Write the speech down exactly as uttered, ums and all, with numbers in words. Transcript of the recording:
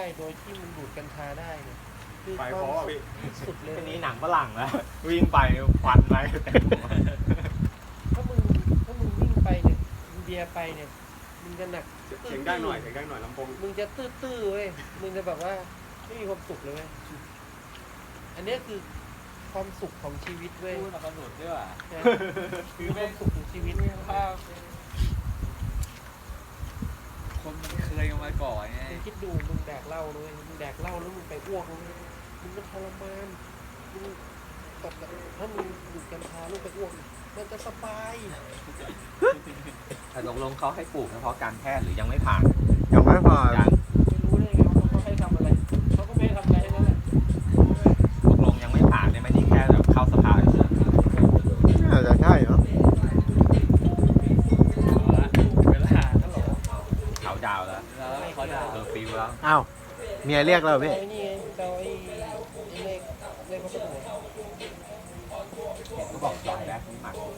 โดยที่มันดูดกัญชาได้เนี่ยคือไปคเพวามราะว่าพี่สุดเลยทีนี้หนังฝรั่งแล้ววิ่งไปควันไปเต็มหัวถ้ามึงถ้ามึงวิ่งไปเนี่ยมึงเบียร์ไปเนี่ยมึงจะหนักเสียงได้หน่อยเสียงได้หน่อยลำโพงมึงจะตื้อๆเว้ยมึงจะแบบว่าไม่มีความสุขเลยเว้ยอันเนี้ยคือความสุขของชีวิตเว้ยพูดมาสนุกด้วยว่ะนะคือความสุขของชีวิตภาพคนมันเคยกันมาก่อนไงมึงคิดดูมึงแดกเหล้าด้วยมึงแดกเหล้าแล้วมึงไปอ้วกเลยมึงก็ทรมานมึงตกแบบถ้ามึงดูดกัญชาลูกไปอ้วกมันจะสบายแต่ตกลงเขาให้ปลูกเฉพาะการแพทย์หรือยังไม่ผ่านยังไม่ผ่านยังไม่รู้ได้ไงว่าเขาให้ทำอะไรเขาก็ไม่ให้ทำอะไรทั้งนั้นแหละตกลงยังไม่ผ่านเนี่ยไม่ได้แค่แบบเข้าสภาเฉยน่าจะใช่เนาะเวลาถ้าหลงๆเขาดาวแล้วแล้วเขาด่าเออฟิวแล้วอ้าวเมียเรียกเราพี่ไอ้นี่ไงเราไอ้ไอ้เลขเลขพัสดุเห็นก็บอกจอยแรกที่หมัก